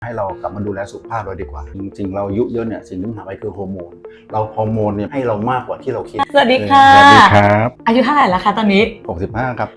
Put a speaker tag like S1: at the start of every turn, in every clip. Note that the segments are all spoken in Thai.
S1: ให้เรากลับมาดูแลสุขภาพเราดีกว่าจริงๆเราอายุเยอะเนี่ยสิ่งที่มันหายไปคือฮอร์โมนฮอร์โมนเนี่ยให้เรามากกว่าที่เราคิด
S2: สวัสดีค่ะ
S1: สวัสดีครับ
S2: อายุเท่าไหร่แล้วคะตอนนี้
S1: 65ครับ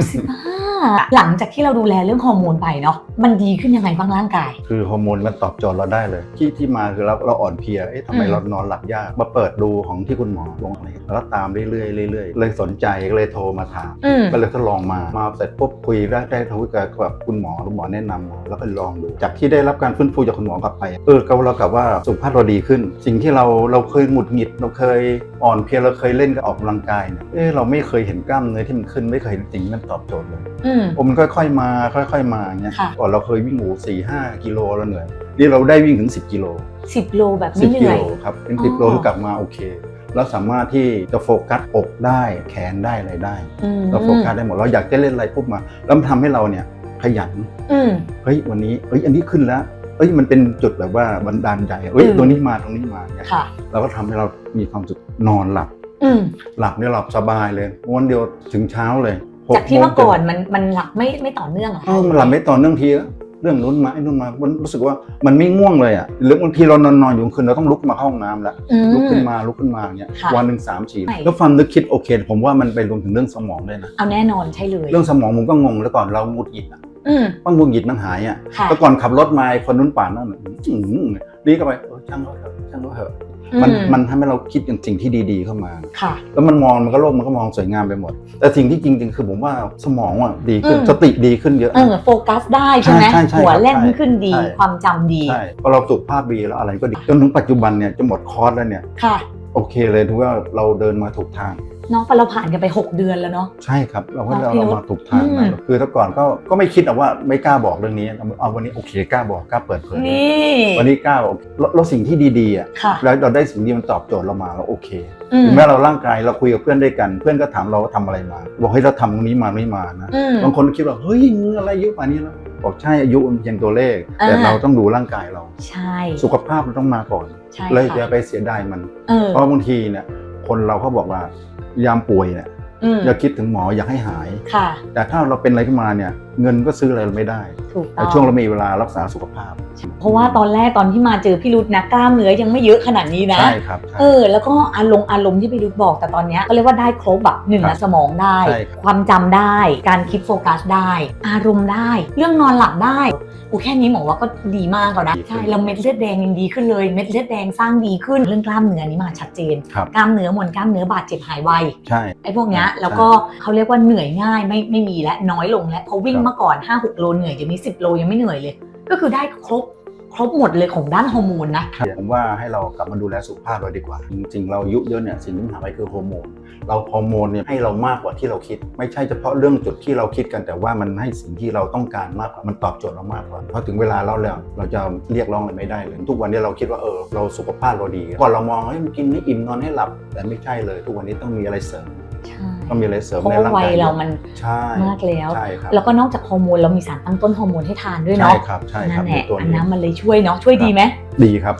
S2: 65หลังจากที่เราดูแลเรื่องฮอร์โมนไปเนาะมันดีขึ้นยังไงบ้างร่างกาย
S1: คือฮอร์โมนมันตอบโจทย์เราได้เลยที่มาคือเราอ่อนเพลียทำไมเรานอนหลับยากมาเปิดดูของที่คุณหมอลงอะไรแล้วก็ตามเรื่อยๆเลยสนใจก็เลยโทรมาถามก็เลยทดลองมาเสร็จปุ๊บคุยได้โทรกับคุณหมอแนะนำแล้วก็ลองดูจากที่ได้รับการฟื้นฟูจากคุณหมอกลับไปเรากลับว่าสุขภาพเราดีขึ้นสิ่งที่เราเคยหงุดหงิดเราเคยอ่อนเพลียเราเคยเล่นกับออกกำลังกายเนี่ยเราไม่เคยเห็นกล้ามเนื้อที่มันขึ้นไม่เคยเห็นสิ่งที่มันตอบโจทย์เลยมันค่อยๆมาอย่างเงี้ยก่อนเราเคยวิ่ง4-5 กิโลแล้วเหนื่อยนี่เราได้วิ่งถึง10 กิโล
S2: 10 โลแบบไม่เหนื่อย
S1: 10 กิโลครับเป็น10 โลที่กลับมาโอเคแล้วสามารถที่จะโฟกัสอกได้แขนได้อะไรได้เราโฟกัสได้หมดเราอยากจะเล่นอะไรปุ๊บมาแล้วมันทำให้เราเนี่ยขยันวันนี้อันนี้ขึ้นแล้วมันเป็นจุดแบบว่าบันดาลใจตรงนี้มาเนี่ยเราก็ทำให้เรามีความสุขนอนหลับเนี่ยหลับสบายเลยวันเดียวถึงเช้าเลย
S2: จากที่เมื่อก่อนมันหลับไม่ต่อเนื่องอะ
S1: มันหลับไม่ต่อเนื่องทีเรื่องนู้นมามันรู้สึกว่ามันไม่ง่วงเลยอ่ะหรือบางทีเรานอนอยู่คืนเราต้องลุกมาเข้าห้องน้ำแล้วลุกขึ้นมาเนี่ยวันหนึ่ง3-4แล้วความนึกคิดโอเคผมว่ามันไปรวมถึงเรื่องสมองด้วยนะ
S2: เอาแน่นอนใช่เลย
S1: เรื่องสมองผมก็งงแล้วก่อนเราหงุดหงิดว่าหงุดหงิดมันหายอ่ะแล้วก่อนขับรถมาคนนู้นป่านนั่นนี่ก็ไปช่างเขาเถอะมันทำให้เราคิดอย่างสิ่งที่ดีๆเข้ามาแล้วมันโลกมันก็มองสวยงามไปหมดแต่สิ่งที่จริงๆคือผมว่าสมองดีขึ้นสติดีขึ้นเยอะ
S2: โฟกัสได้ใช่ไหมหัวแล่นขึ้นดีความจำดี
S1: ใช่พอเราสุขภาพดีแล้วอะไรก็ดีจนถึงปัจจุบันเนี่ยจะหมดคอร์สแล้วเนี่ยโอเคเลยถือว่าเราเดินมาถูกทาง
S2: น้องเราผ่านกันไป6 เดือนแล้วเนาะ
S1: ใช่ครับเรามาถูกทางคือแต่ก่อนก็ไม่คิดว่าไม่กล้าบอกเรื่องนี้เอาวันนี้โอเคกล้าบอกกล้าเปิดเผยวันนี้กล้าบอกเราสิ่งที่ดีๆอ่ะแล้วเราได้สิ่งที่มันตอบโจทย์เรามาเราโอเคถึงแม้เราร่างกายเราคุยกับเพื่อนด้วยกันเพื่อนก็ถามเราว่าทำอะไรมาบอกให้เราทำตรงนี้มาไม่มานะบางคนคิดว่าเฮ้ยมึงอะไรอายุป่านนี้แล้วบอกใช่อายุมันเพียงตัวเลขแต่เราต้องดูร่างกายเรา
S2: ใช่
S1: สุขภาพเราต้องมาก่อนเลยอย่าไปเสียดายมันเพราะบางทีเนี่ยคนเราเขาบอกว่ายามป่วยเนี่ยอย่าคิดถึงหมออยากให้หายแต่ถ้าเราเป็นอะไรขึ้นมาเนี่ยเงินก็ซื้ออะไรเราไม่ได้แต่ช่วงเรามีเวลารักษาสุขภาพ
S2: เพราะว่าตอนที่มาเจอพี่รุธนะกล้ามเนื้อยังไม่เยอะขนาดนี้นะ
S1: ใช่ครับ
S2: แล้วก็อารมณ์ที่พี่รุธบอกแต่ตอนนี้ก็เรียกว่าได้ครบแบบหนึ่งสมองได้ความจำได้การคิดโฟกัสได้อารมณ์ได้เรื่องนอนหลับได้แค่นี้หมอว่าก็ดีมากแล้วนะใช่แล้วเม็ดเลือดแดงยังดีขึ้นเลยเม็ดเลือดแดงสร้างดีขึ้นเรื่องกล้ามเนื้อนี้มาชัดเจนกล้ามเนื้อมวลกล้ามเนื้อบาดเจ็บหายไว
S1: ใช่
S2: ไอ้พวกนี้แล้วก็เขาเรียกว่าเหนื่อยง่ายไม่มีและน้อยลงและพอวิ่งเมื่อก่อน 5-6 โลเหนื่อยเดี๋ยวนี้10 โลยังไม่เหนื่อยเลยก็คือได้ครบหมดเลยของด้านฮอร์โมนนะ
S1: ผมว่าให้เรากลับมาดูแลสุขภาพเราดีกว่าจริงๆเราอายุเยอะเนี่ยสิ่งที่มันหายไปคือฮอร์โมนฮอร์โมนเนี่ยให้เรามากกว่าที่เราคิดไม่ใช่เฉพาะเรื่องจุดที่เราคิดกันแต่ว่ามันให้สิ่งที่เราต้องการมากกว่ามันตอบโจทย์เรามากกว่าเพราะถึงเวลาเราจะเรียกร้องอะไรไม่ได้เลยทุกวันนี้เราคิดว่าเราสุขภาพเราดีก่อนเรามองมันกินให้อิ่มนอนให้หลับแต่ไม่ใช่เลยทุกวันนี้ต้องมีอะไรเสริมต้องมีอะไรเสริมในร่างกาย
S2: เรามันมากแล้วแล้วก็นอกจากฮอร์โมนเรามีสารตั้งต้นฮอร์โมนให้ทานด้วยเนาะ
S1: ใช่ครับ
S2: นั่นแหละอันนั้นมันเลยช่วยเนาะช่วยดีไหม
S1: ดีครับ